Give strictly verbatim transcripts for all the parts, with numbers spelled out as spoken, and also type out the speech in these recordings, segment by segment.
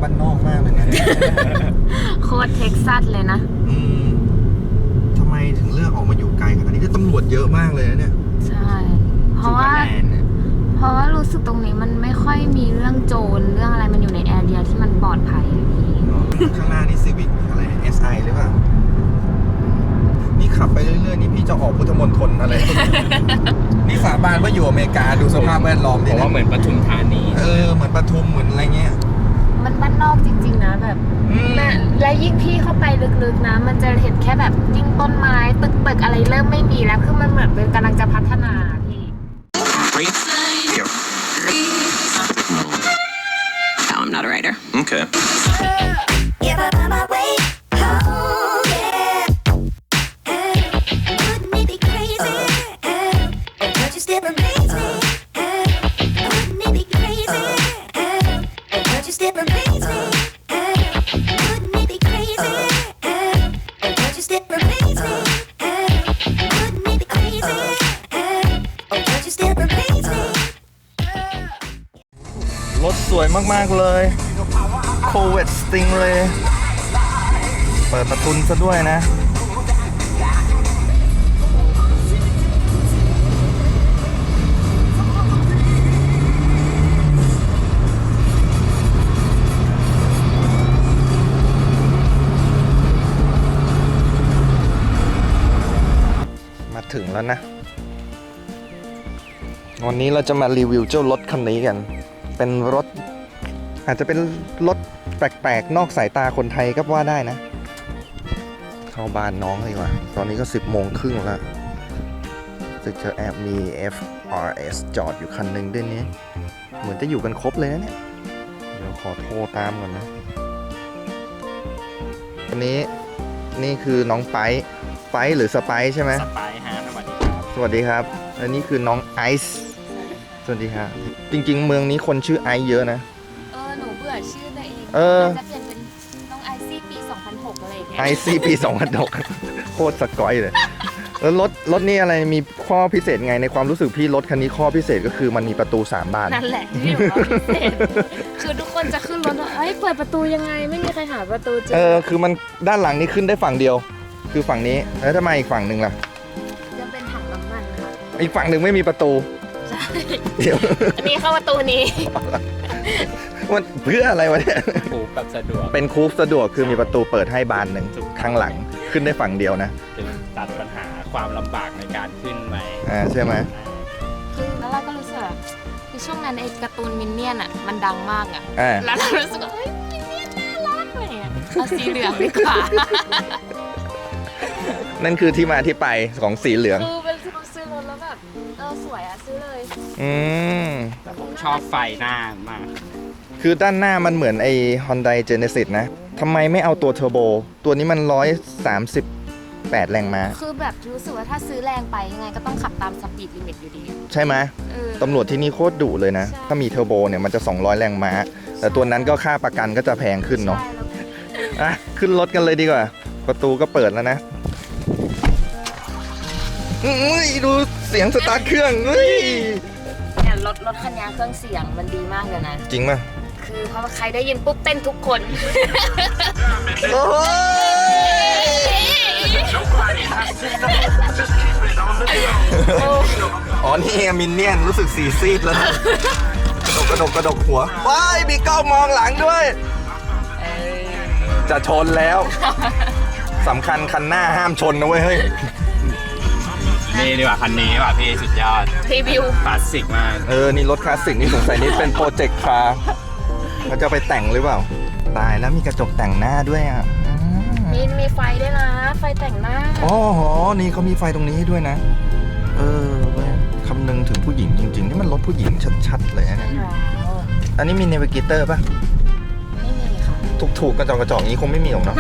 บ้านนอกมากเลยนะโคตรเท็กซัสเลยนะอืมทำไมถึงเลือกออกมาอยู่ไกลขนาดนี้ที่ตำรวจเยอะมากเลยนะเนี่ยใช่เพราะว่าเพราะว่ารู้สึกตรงนี้มันไม่ค่อยมีเรื่องโจรเรื่องอะไรมันอยู่ในแอเรียที่มันปลอดภัยพี่ข้างหน้านี่ซีวิกอะไร เอส ไอ หรือเปล่านี่ขับไปเรื่อยๆนี่พี่จะออกพุทธมณฑลอะไร นี่สาบานว่าอยู่อเมริกาดูสภาพแวดล้อมดิผมว่าเหมือนปทุมธานีเออเหมือนปทุมเหมือนอะไรเงี้ยมันบ้านนอกจริงๆนะแบบและยิ่งพี่เข้าไปลึกๆนะมันจะเห็นแค่แบบยิ่งต้นไม้ตึกๆอะไรเริ่มไม่มีแล้วคือมันเหมือนเป็นกำลังจะพัฒนาพี่ No, I'm not a writer. Okay. รถสวยมากๆเลยโคเวตสติงเลยเปิดประทุนซะด้วยนะมาถึงแล้วนะวันนี้เราจะมารีวิวเจ้ารถคันนี้กันเป็นรถอาจจะเป็นรถแปลกๆนอกสายตาคนไทยก็ว่าได้นะเข้าบ้านน้องเลยว่ะตอนนี้ก็สิบโมงครึ่งแล้วจะเจอแอบมี เอฟ อาร์ เอส จอดอยู่คันหนึ่งด้วยนี้เหมือนจะอยู่กันครบเลยนะเนี่ยเดี๋ยวขอโทรตามก่อนนะวันนี้นี่คือน้องไปไปหรือสไปใช่ไหมสไปฮะสวัสดีครับสวัสดีครับอันนี้คือน้องไอซ์สวัสดีครับจริงๆเมืองนี้คนชื่อไอซ์เยอะนะเออหนูเบื่อชื่อตัวเองเออจะเปลี่ยนเป็นน้องไอซี่ปีสองพันหกอะไรอย่างเงี้ยไอซี่ปีสองพันหกโคตรสกอยเลยแล้วรถรถนี่อะไรมีข้อพิเศษไงในความรู้สึกพี่รถคันนี้ข้อพิเศษก็คือมันมีประตูสามบานนั่นแหละที่บอกว่าพิเศษคือทุกคนจะขึ้นรถว่าเอ้ยเปิดประตูยังไงไม่มีใครหาประตูเจอเออคือมันด้านหลังนี่ขึ้นได้ฝั่งเดียวคือฝั่งนี้แล้วทำไมอีกฝั่งหนึ่งล่ะจะเป็นถังน้ำมันค่ะอีกฝั่งหนึ่งไม่มีประตูใช่เดี๋ยวอันนี้เข้าประตูนี้มันเพื่ออะไรวะเนี่ยคูปแบบสะดวกเป็นคูปสะดวกคือมีประตูเปิดให้บานหนึ่งข้างหลังขึ้นได้ฝั่งเดียวนะจึงตัดปัญหาความลำบากในการขึ้นไปอ่าใช่ไหมคือแล้วเราก็รู้สึกคือช่วงนั้นไอ้การ์ตูนมินเนี่ยนอ่ะมันดังมากอ่ะแล้วเรารู้สึกว่าเฮ้ยมินเนี่ยนน่ารักเลยเอาสีเหลืองดีกว่านั่นคือที่มาที่ไปของสีเหลืองคือเป็นซื้อรถแล้วแบบเออสวยอ่ะซื้อเลยอืมแต่ผมชอบไฟหน้ามากคือด้านหน้ามันเหมือนไอ้ Hyundai Genesis นะทำไมไม่เอาตัวเทอร์โบตัวนี้มันหนึ่งร้อยสามสิบแปดแรงม้าคือแบบรู้สึกว่าถ้าซื้อแรงไปยังไงก็ต้องขับตามสปีดลิมิตอยู่ดีใช่ไหมตำรวจที่นี่โคตรดุเลยนะถ้ามีเทอร์โบเนี่ยมันจะสองร้อยแรงม้าแต่ตัวนั้นก็ค่าประกันก็จะแพงขึ้นเนาะอ่ะขึ้นรถกันเลยดีกว่าประตูก็เปิดแล้วนะอุ้ยดูเสียงสตาร์ทเครื่องเฮ้ยเนี่ยรถรถคันนี้เครื่องเสียงมันดีมากเลยนะจริงป่ะคือเพราะว่าใครได้ยินปุ๊บเต้นทุกคนโอ้อ๋อนี่มินเนี่ยนรู้สึกสีซีดแล้วนะกระดกกระดกกระดกหัวว้ายมีกล้องมองหลังด้วยจะชนแล้วสำคัญคันหน้าห้ามชนนะเว้ยเฮ้ยนี่ดีกว่าคันนี้ว่ะพี่สุดยอดรีวิวคลาสสิกมากเออนี่รถคลาสสิกนี่สงสัยนี่เป็นโปรเจกต์คาร์เขาจะไปแต่งหรือเปล่าตายแล้วมีกระจกแต่งหน้าด้วยอ่ะมีมีไฟด้วยนะไฟแต่งหน้าอ๋อโหนี่เขามีไฟตรงนี้ให้ด้วยนะเออคำนึงถึงผู้หญิงจริงๆนี่มันรถผู้หญิงชัดๆเลยนะอันนี้มีเนวิเกเตอร์ป่ะไม่มีค่ะถูกๆกระจกกระจกนี้คงไม่มีหรอกเนาะ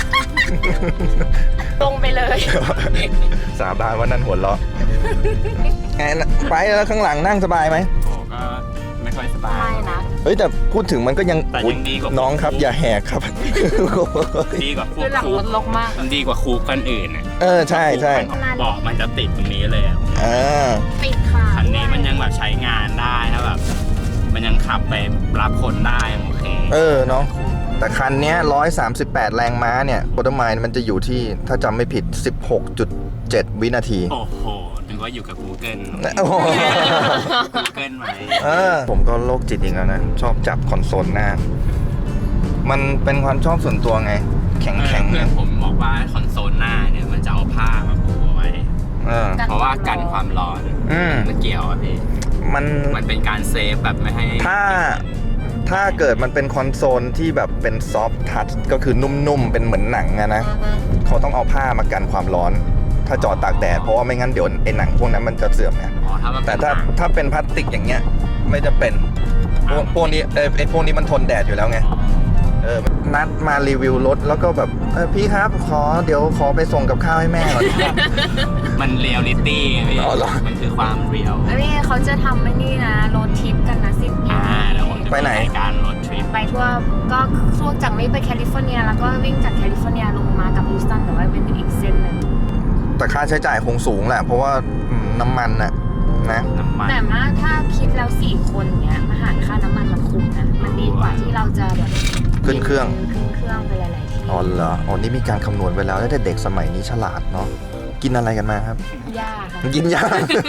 ตรงไปเลยสาบานว่านั่นหัวเราะแอนไปแล้วข้างหลังนั่งสบายไหมโอ้ก็ไม่ค่อยสบายนะเฮ้ยแต่พูดถึงมันก็ยังน้องครับอย่าแหกครับดีกว่าคูหลังรถลกมากมันดีกว่าคูคันอื่นอ่ะเออใช่ใช่เบาะมันจะติดตรงนี้เลยอ่ะติดค่ะคันนี้มันยังแบบใช้งานได้ถ้าแบบมันยังขับไปรับคนได้โอเคเออเนาะแต่คันเนี้ยหนึ่งร้อยสามสิบแปดแรงม้าเนี่ยโคตรไมล์มันจะอยู่ที่ถ้าจำไม่ผิด สิบหกจุดเจ็ด วินาทีโอ้โหนึกว่าอยู่กับ Google โอ้โห Google ไหมเออผมก็โรคจิตอีกแล้วนะ ชอบจับคอนโซลหน้า มันเป็นความชอบส่วนตัวไง แข็งแข็งเพื่อนผมบอกว่าคอนโซลหน้าเนี่ยมันจะเอาผ้ามาปูเอาไว้เออเพราะว่ากันความร้อนอืมมันเกี่ยวอ่ะพี่มันมันเป็นการเซฟแบบไม่ให้ถ้าถ้าเกิดมันเป็นคอนโซลที่แบบเป็นซอฟต์ทัชก็คือนุ่มๆ เป็นเหมือนหนังอะนะเขาต้องเอาผ้ามากันความร้อน ถ้าจอดตากแดดเพราะว่าไม่งั้นเดี๋ยวไอ้หนังพวกนั้นมันจะเสื่อมไงอ๋อถ้ามันแต่เป็นถ้าหนังถ้าเป็นพลาสติกอย่างเงี้ยไม่จะเป็นพวกพวกนี้เออไอ้พวกนี้มันทนแดดอยู่แล้วไงเออนัดมารีวิวรถแล้วก็แบบเออพี่ครับขอเดี๋ยวขอไปส่งกับข้าวให้แม่ก่อนมันเรียลลิตี้ไงพี่อ๋อเหรอมันคือความเรียลแล้วนี่เขาจะทำไอ้นี่นะโรดทริปกันนะสิ้นปีอ่าแล้วผมจะไปไหนรายการรถทริปไปทั่วก็ช่วงจากนี้ไปแคลิฟอร์เนียแล้วก็วิ่งจากแคลิฟอร์เนียลงมากับฮิวสตันแต่ว่าเป็นอีกเส้นหนึ่งแต่ค่าใช้จ่ายคงสูงแหละ เพราะว่าอืมน้ำมันน่ะนะน้ำมันแต่ว่าถ้าคิดแล้วสี่คนเนี้ยมาหารค่าน้ำมันมันคุ้มนะมันดีกว่าที่เราจะแบบขึ้นเครื่องขึ้นเครื่องไปหลายๆที่อ๋อเหรออ๋อนี่มีการคำนวณไว้แล้วแต่เด็กสมัยนี้ฉลาดเนาะกินอะไรกันมาครับยากค่ะกินยา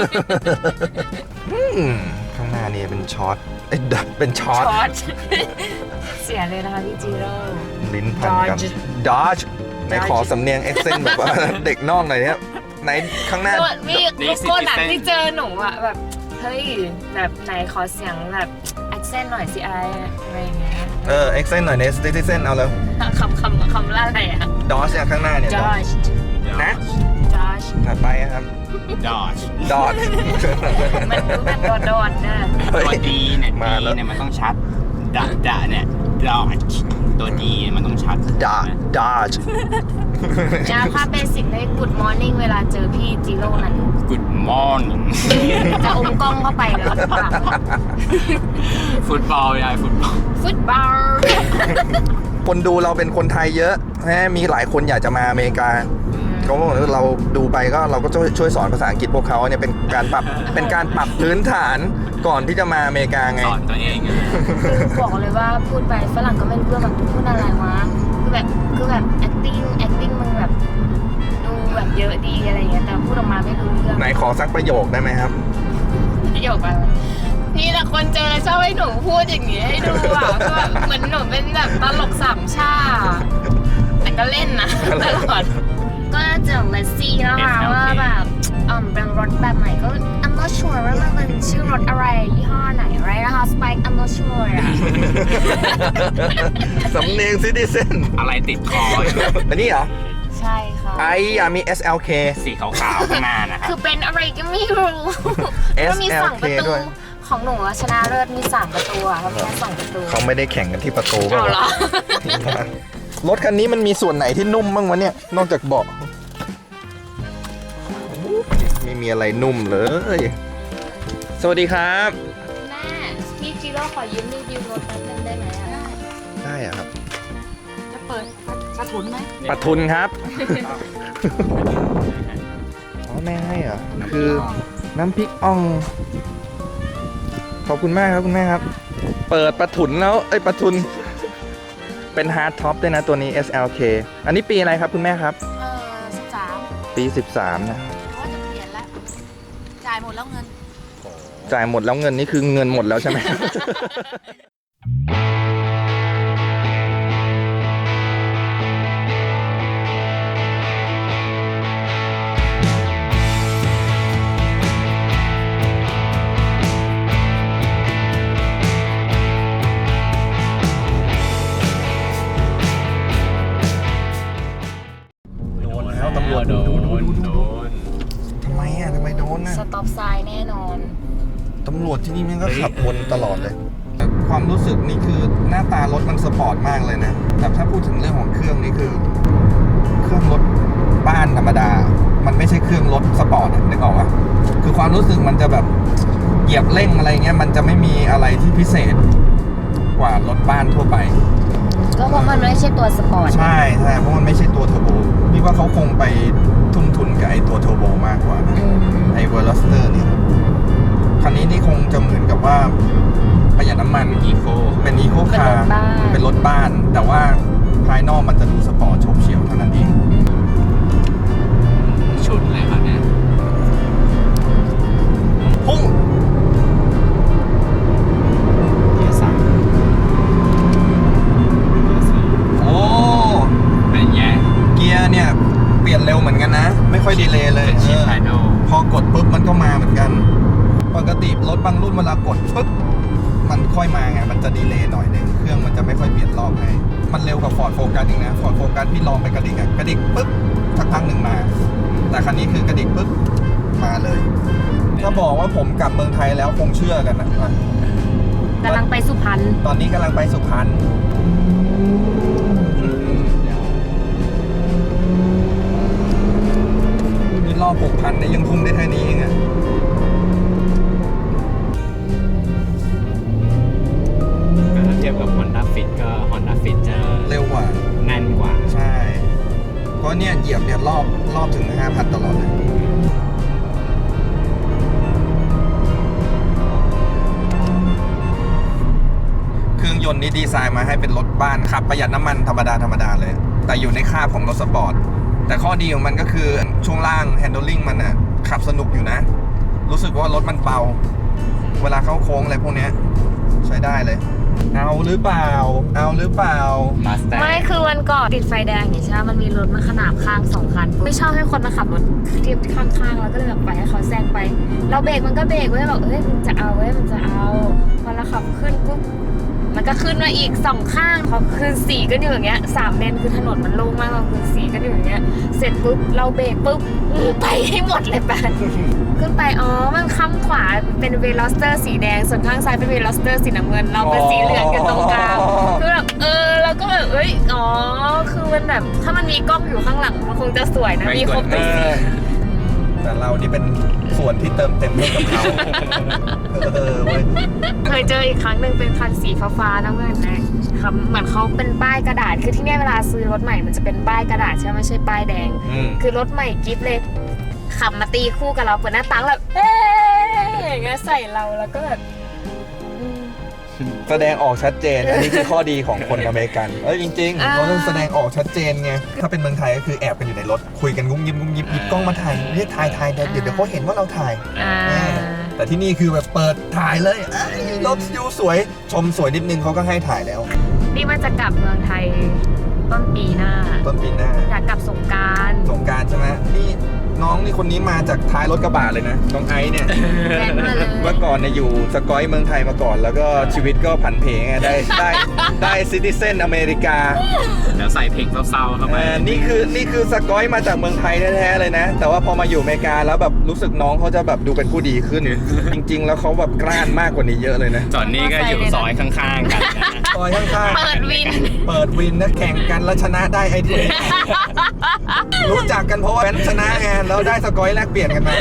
อืมข้างหน้านี่เป็นช็อตเอ้ยเป็นช็อตช็อต เสียเลยนะคะพี่จีโร่ลิ้นพันกัน Dodge ดอจในขอสำเนียงเอ็กเซนแบบว่า เด็กนอกหน่อยเนี่ยไหนข้างหน้ามีลูกโก้หนังที่เจอหนูอะแบบเฮ้ยแบบไหนขอเสียงแบบแอคเซนต์หน่อยสิไออะไรอย่างเงี้ยเออเอ็กเซนหน่อยในสติเซนเอาเลยคำคำคำล่าอะไรอะดอจเนี่ยข้างหน้าเนี่ย Dodge นะ Dodge ถัดไปครับดอชดอจมันดูเป็นตัวโดดนะตัวดีเนี่ยมาดีแล้วเนี่ยมันต้องชัดดะดะเนี่ยดอชตัวดีมันต้องชัดดอจดอจนะถ้าเบสิกได้ Good Morning เวลาเจอพี่จีโร่นั้น Good morning จะอมกล้องเข้าไปเลยฟุตบอลยายฟุตบอลฟุตบอลคนดูเราเป็นคนไทยเยอะแหมมีหลายคนอยากจะมาอเมริกาเขาบอกว่าเราดูไปก็เราก็ช่วยช่วยสอนภาษาอังกฤษพวกเขาเนี่ยเป็นการปรับเป็นการปรับพื้นฐานก่อนที่จะมาอเมริกาไงสอนตัวเองอะคือบอกเลยว่าพูดไปฝรั่งก็ไม่รู้เรื่องแบบพูดอะไรวะคือแบบคือแบบ acting acting มึงแบบดูแบบเยอะดีอะไรอย่างเงี้ยแต่พูดออกมาไม่รู้เรื่องไหนขอสักประโยคได้ไหมครับประโยคอะไรพี่แต่คนเจอชอบให้หนูพูดอย่างนี้ให้ดูอ่ะก็แบบเหมือนหนูเป็นแบบตลกสามชาแต่ก็เล่นนะตลอดก็จะเลสซี่นะคะว่าแบบอืมเป็นรถแบบไหนก็ I'm not sure ว่ามันเป็นชื่อรถอะไรยี่ห้อไหนอะไรนะคะ Spike I'm not sure อะสำเนียงซิติเซนอะไรติดคออยู่อันนี้เหรอใช่ค่ะไอ้ยามี เอส แอล เคสีขาวๆข้างหน้านะคคืรับอเป็นอะไรก็ไม่รู้ก็มีสองประเอส แอล เคตูด้วยของหนูอะชนะเลิศมีสามประตูอะเขามีแค่สองประตูเขาไม่ได้แข่งกันที่ประตูเปล่าเอาเหรอรถคันนี้มันมีส่วนไหนที่นุ่มบ้างวะเนี่ย นอกจากเบาะไม่มีอะไรนุ่มเลย สวัสดีครับแม่พี่จิโร่ขอยืมรีวิวรถแป๊บนึงได้ไหมอะได้อะครับจะเปิดกระถุนไหมปัทุนครับ อ๋อแม่ให้เหรอ คือน้ำพริกอ่อง ขอบคุณมากครับคุณแม่ครับ เปิดปะทุนแล้ว เอ้ยปะทุน เป็นฮาร์ดท็อปด้วยนะตัวนี้ เอส แอล เค อันนี้ปีอะไรครับคุณแม่ครับเออสิบสามปี สิบสาม นะเขาจะเปลี่ยนแล้ว จ่ายหมดแล้วเงินจ่ายหมดแล้วเงินนี่คือเงินหมดแล้วใช่ไหม โดนแล้วตำรวจโดดูดูนดูโดดูนทำไมอ่ะทำไมโดนน่ะสต็อปไซน์แน่นอนตำรวจที่นี่มันก็ขับวนตลอดเลย ความรู้สึกนี่คือหน้าตารถมันสปอร์ตมากเลยนะ แต่ถ้าพูดถึงเรื่องของเครื่องนี่คือ เครื่องรถบ้านธรรมดา มันไม่ใช่เครื่องรถสปอร์ตอะนึกออกปะคือความรู้สึกมันจะแบบเหยียบเร่งอะไรเงี้ย มันจะไม่มีอะไรที่พิเศษกว่ารถบ้านทั่วไปก็เพราะมันไม่ใช่ตัวสปอร์ตใช่ใช่เพราะมันไม่ใช่ตัวเทอร์โบพี่ว่าเขาคงไปทุ่มทุนกับไอ้ตัวเทอร์โบมากกว่านะอืมไอ้เวอร์ลสเตอร์เนี่ยคันนี้นี่คงจะเหมือนกับว่าประหยัดน้ำมันอีโคเป็นอีโคเป็นคารถร์บ้านเป็นรถบ้าน แต่ว่าภายนอกมันจะดูสปอร์ตโฉบเฉี่ยวเท่านั้นเองชุดเลยครับเนี่ยพุ่งเกียร์สามเกียร์สี่โอ้เป็นไงเกียร์เนี่ยเปลี่ยนเร็วเหมือนกันนะ ไม่ค่อยดีเลย์เลยเป็นชิปไฮโดรพอกดปุ๊บมันก็มาเหมือนกัน ปกติรถบางรุ่นเวลากดปุ๊บมันค่อยมาไงมันจะดีเลย์หน่อยหนึงเครื่องมันจะไม่ค่อยเปลี่ยนรอบให้มันเร็วกว่า Ford Focus อีกนะ Ford Focus พี่ลองไปกระดิกอะกระดิกปุ๊บสักพักหนึ่งมา แต่คันนี้คือกระดิกปุ๊บมาเลยถ้าบอกว่าผมกลับเมืองไทยแล้วคงเชื่อกันนะกำลังไปสุพรรณตอนนี้กำลังไปสุพรรณนี่รอบหกพันเนี่ยยังพุ่งได้แค่นี้เองอะก็ถ้าเทียบกับ Honda Fit ก็ Honda Fit จะเร็วกว่าแน่นกว่าใช่ เพราะเนี่ยเหยียบเนี่ยรอบรอบถึง ห้าพัน ตลอดเลย เครื่องยนต์นี้ดีไซน์มาให้เป็นรถบ้านขับประหยัดน้ำมันธรรมดาธรรมดาเลย แต่อยู่ในคาบของรถสปอร์ต แต่ข้อดีของมันก็คือช่วงล่าง handling มันอะขับสนุกอยู่นะ รู้สึกว่ารถมันเบา เวลาเข้าโค้งอะไรพวกเนี้ยใช้ได้เลย เอาหรือเปล่า เอาหรือเปล่า Mustang ไม่คือวันก่อนติดไฟแดงอย่างใช่ไหมมันมีรถมาขนาบข้างสองคัน ไม่ชอบให้คนมาขับรถเทียบข้างๆแล้วก็เลยแบบไปให้เขาแซงไป เราเบรกมันก็เบรกเว้ยแบบเอ้ยมันจะเอาเว้ยมันจะเอาพอเราขับขึ้นปุ๊บมันก็ขึ้นมาอีกสองข้างพอขึ้นสี่ก็อยู่อย่างเงี้ยสามเลนคือถนนมันโล่งมากเราขึ้นสี่ก็อยู่อย่างเงี้ยเสร็จปุ๊บเราเบรกปุ๊บไปให้หมดเลยแปนขึ้นไปอ๋อมันข้างขวาเป็นเวลอสเตอร์สีแดงส่วนข้างซ้ายเป็นเวลอสเตอร์สีน้ำเงินเราเป็นสีเหลืองกันตรงกลางคือแบบเออเราก็แบบเอ้ยอ๋อคือมันแบบถ้ามันมีกล้องอยู่ข้างหลังมันคงจะสวยนะมีครบทุกสีแต่เรานี่เป็นส่วนที่เติมเต็มให้กับเขา เออเว้ยเคยเจออีกครั้งหนึ่งเป็นคันสีฟ้าๆน้ำเงินนะครับเหมือนเขาเป็นป้ายกระดาษคือที่เนี่ยเวลาซื้อรถใหม่มันจะเป็นป้ายกระดาษใช่ไหมไม่ใช่ป้ายแดงอืมคือรถใหม่กิฟต์เลยขับมาตีคู่กับเราเปิดหน้าต่างแบบเอ๊ะอย่างเงี้ยใส่เราแล้วก็แบบอืมแสดงออกชัดเจน อันนี้คือข้อดีของคนอเมริกัน เอ้ยจริงๆอ่าเขาต้องแสดงออกชัดเจนไง ถ้าเป็นเมืองไทยก็คือแอบกันอยู่ในรถ คุยกันงุ้มยิ้มงุ้มยิ้มหยิบกล้องมาถ่ายเรียกถ่ายถ่ายเดี๋ยวเดี๋ยวเขาเห็นว่าเราถ่ายอ่าแต่ที่นี่คือแบบเปิดถ่ายเลยเอ้ยรถยูสวย ชมสวยนิดนึงเขาก็ให้ถ่ายแล้วนี่มันจะกลับเมืองไทยต้นปีหน้าต้นปีหน้าอยากกลับสงกรานต์สงกรารใช่ไหมนี่น้องนี่คนนี้มาจากท้ายรถกระบะเลยนะ น้องไอซ์เนี่ยแน่นมาเลยเมื่อก่อนเนี่ยอยู่สกอยเมืองไทยมาก่อน แล้วก็ชีวิตก็ผันเพไงได้ได้ได้ซิติเซนอเมริกาแล้วใส่เพลงเศร้าๆเข้าไปเออนี่คือนี่คือสกอยมาจากเมืองไทยแท้ๆเลยนะ แต่ว่าพอมาอยู่อเมริกาแล้วแบบรู้สึกน้องเขาจะแบบดูเป็นผู้ดีขึ้น จริง ๆ แล้วเขาแบบกล้านมากกว่านี้เยอะเลยนะจอนนี่ก็อยู่ซอยข้างๆกันนะซอยข้างๆเปิดวินเปิดวินนะแข่งกันแล้วชนะได้ไอทีรู้จักกันเพราะว่าเป็นชนะไงแล้วได้สกอยแลกเปลี่ยนกันมา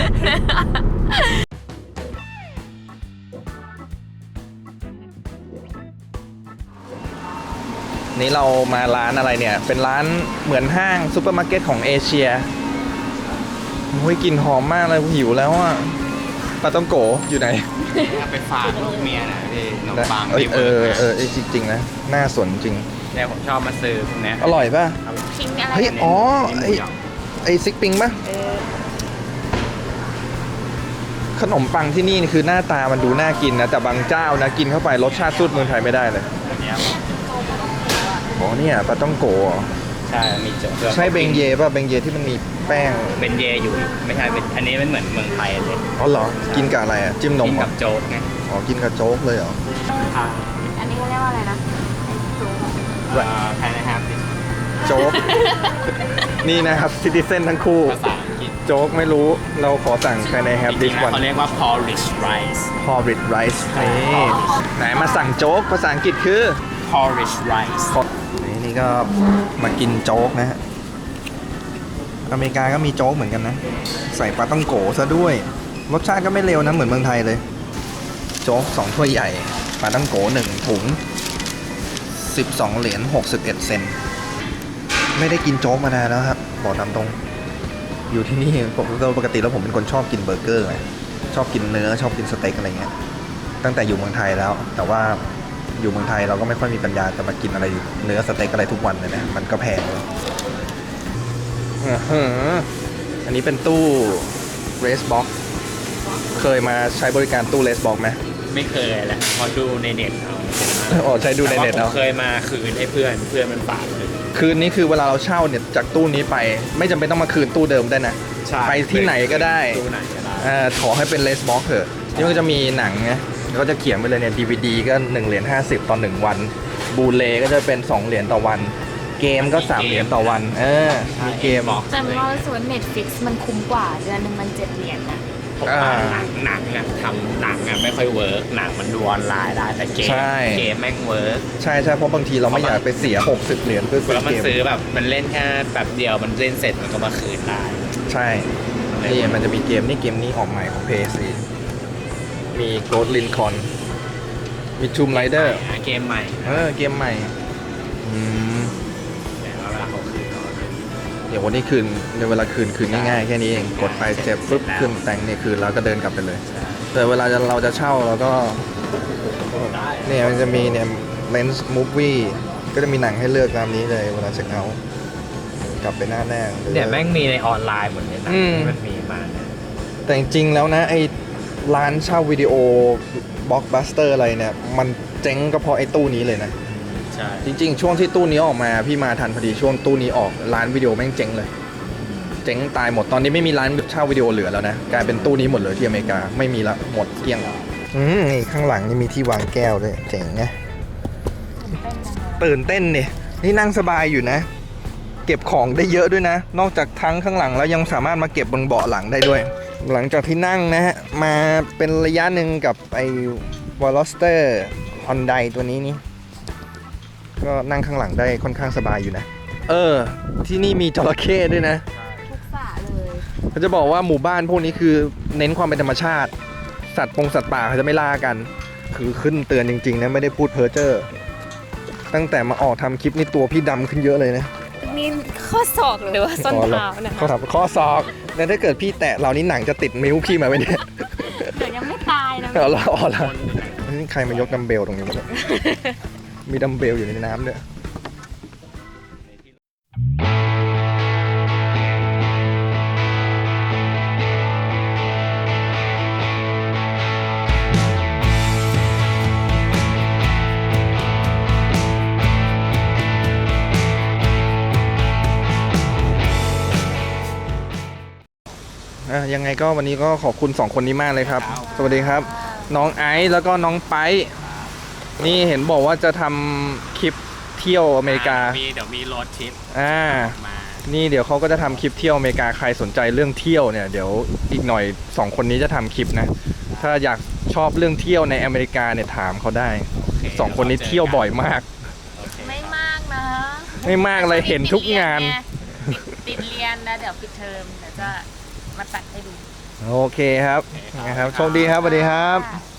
นี่เรามาร้านอะไรเนี่ย เป็นร้านเหมือนห้างซูเปอร์มาร์เก็ตของเอเชียโอ้ยกลิ่นหอมมากเลยหิวแล้วอ่ะปลาต้องโกอยู่ไหนเอาไปฝากลูกเมียนะพี่ขนมปังเอ้ยที่เอเวิร์อก เออเออจริงๆนะน่าสนจริงเนี่ยผมชอบมาซื้อพวกเนี้ยอร่อยป่ะทิ้งอะไรเฮ้ย อ๋อ ไอไอซิกปิงป่ะเออขนมปังที่นี่คือหน้าตามันดูน่ากินนะ แต่บางเจ้านะกินเข้าไปรสชาติสู้เมืองไทยไม่ได้เลยอันเนี้ยอ๋อเนี่ยปลาต้องโกเหรอใช่มีเจอใช่เบงเย่ป่ะเบงเย่ที่มันมีแป้งเป็นเยอยู่ ไม่ใช่เป็นอันนี้มันเหมือนเมืองไทยเลยอ๋อเหรอ กินกับอะไรอ่ะ จิ้มนมกินเหรกัอบโจ๊กไงอ๋อ กินกับโจ๊กเลยเหรออ่าอันนี้เขาเรียกว่าอะไรนะแพนนะครับโจ๊ก นี่นะครับซิติเซนทั้งคู่ภาษาอังกฤษโจ๊กไม่รู้ เราขอสั่ง Can I จ have ริ this งๆแล้ว one เขาเรียกว่า porridge rice porridge rice นี่ไหนมาสั่งโจ๊กภาษาอังกฤษคือ porridge rice นี่นี่ก็มากินโจ๊กนะฮะ อเมริกาก็มีโจ๊กเหมือนกันนะ ใส่ปลาต้องโกซะด้วย รสชาติก็ไม่เลวนะเหมือนเมืองไทยเลย โจ๊กสองถ้วยใหญ่ ปลาต้องโกหนึ่งถุงสิบสองเหรียญหกสิบเอ็ดเซนต์ไม่ได้กินโจ๊กมานานแล้วครับบอกตามตรง อยู่ที่นี่ผมโดยปกติแล้วผมเป็นคนชอบกินเบอร์เกอร์ไงชอบกินเนื้อชอบกินสเต็กอะไรเงี้ยตั้งแต่อยู่เมืองไทยแล้ว แต่ว่าอยู่เมืองไทยเราก็ไม่ค่อยมีปัญญาจะมากินอะไรเนื้อสเต็กอะไรทุกวันเลยนะมันก็แพงอื้อหืออันนี้เป็นตู้ Race Box เคยมาใช้บริการตู้ Race Box ไหมไม่เคยแหละพอดูในเน็ตเอาอ๋อใช้ดูในเน็ตแต่เอาว่าผมเคยมาคืนให้เพื่อนเพื่อนมันฝากเลยคืนนี้คือเวลาเราเช่าเนี่ยจากตู้นี้ไป ไม่จำเป็นต้องมาคืนตู้เดิมได้นะใช่ไปที่ไหนก็ได้ตู้ไหนก็ได้เอ่อขอให้เป็น Race Box เถอะนี่มันก็จะมีหนังไงแล้วก็จะเขียนไปเลยเนี่ย ดี วี ดี ก็หนึ่งเหรียญห้าสิบต่อหนึ่งวันบูเลก็จะเป็นสองเหรียญต่อวัน เกมก็สามเหรียญต่อวัน เออมีเกมบอกแต่ว่าส่วน Netflix มันคุ้มกว่าเดือนหนึงมันเจ็ดเหรียญนะผมว่าหนังหนังอะทำหนังอะไม่ค่อยเวิร์กหนังมันดูออนไลน์ได้แต่เกมใช่เกมแม่งเวิร์กใช่ใช่เพราะบางทีเราไม่อยากไปเสียหกสิบเหรียญเพื่อซื้แล้อวมันเกมซื้อแบบมันเล่นแค่แบบเดียวมันเล่นเสร็จมันก็มาคืนได้ใช่นี่มันจะมีเกมนี่เกมนี้ออกใหม่ของ พี เอส มี Ghost Recon มี Tomb Raider เกมใหม่เออเกมใหม่อืมแต่ว่าเวลาเขาคืนเขาเดี๋ยววันนี้คืนในเวลาคืนคืนง่ายๆแค่นี้เองกดไปเจ็บปุ๊บขึ้นแต่งเนี่ยคืนแล้วก็เดินกลับไปเลย แต่เวลาจะเราจะเช่าเราก็เนี่ยมันจะมีเนี่ย Lens Movie ก็จะมีหนังให้เลือกตามนี้เลยเวลาเช็คเอาท์กลับไปหน้าแน่หรือเนี่ยแม่งมีในออนไลน์หมดเลยนะอืมที่มันมีมาเนี่ยแต่จริงๆแล้วนะไอ้ร้านเช่าวิดีโอบล็อกบัสเตอร์อะไรเนี่ยมันเจ๊งก็เพราะไอ้ตู้นี้เลยนะใช่จริงๆ ช่วงที่ตู้นี้ออกมาพี่มาทันพอดีช่วงตู้นี้ออกร้านวิดีโอแม่งเจ๊งเลยเจ๊งตายหมดตอนนี้ไม่มีร้านเช่าวิดีโอเหลือแล้วนะกลายเป็นตู้นี้หมดเลยที่อเมริกาไม่มีละหมดเกลี้ยงอืมนี่ข้างหลังนี่มีที่วางแก้วด้วยเจ๋งไงตื่นเต้นเนี่ยนี่นั่งสบายอยู่นะ เก็บของได้เยอะด้วยนะ นอกจากทั้งข้างหลังแล้วยังสามารถมาเก็บบนเบาะหลังได้ด้วย หลังจากที่นั่งนะฮะมาเป็นระยะหนึ่งกับไอ้วอลสเตอร์ฮอนไดตัวนี้นี่ก็นั่งข้างหลังได้ค่อนข้างสบายอยู่นะ เออ ที่นี่มีจระเข้ด้วยนะทุกสระเลยเขาจะบอกว่าหมู่บ้านพวกนี้คือเน้นความเป็นธรรมชาติ สัตว์ปงสัตว์ป่าเขาจะไม่ล่ากัน คือขึ้นเตือนจริงๆนะไม่ได้พูดเพ้อเจ้อตั้งแต่มาออกทำคลิปนี่ตัวพี่ดำขึ้นเยอะเลยนะนี่ข้อศอกหรือว่าส้นเท้านะเขาถามข้อศอกแล้วถ้าเกิดพี่แตะเรานี่หนังจะติดมิ้วพี่มาไว้เนี่ยเดี๋ยวยังไม่ตายนะเอาละเอาละนี่ใครมายกดัมเบลตรงนี้มาเนี่ยมีดัมเบลอยู่ในน้ำด้วยอ่ะยังไงก็วันนี้ก็ขอบคุณสองคนนี้มากเลยครับ สวัสดีครับ น้องไอซ์แล้วก็น้องไปนี่เห็นบอกว่าจะทำคลิปเที่ยวอเมริกามีเดี๋ยวมีรถทริปอ่ามานี่เดี๋ยวเขาก็จะทำคลิปเที่ยวอเมริกาใครสนใจเรื่องเที่ยวเนี่ยเดี๋ยวอีกหน่อยสองคนนี้จะทำคลิปนะ ถ้าอยากชอบเรื่องเที่ยวในอเมริกาเนี่ยถามเขาได้โอเคสองคนนี้เที่ยวบ่อยมากโอเคไม่มากนะไม่มากเลยเห็นทุกงานติดเรียนนะเดี๋ยวปิดเทอมเดี๋ยวจะมาตัดให้ดูโอเคครับนะครับโชคดีครับสวัสดีครับค่ะ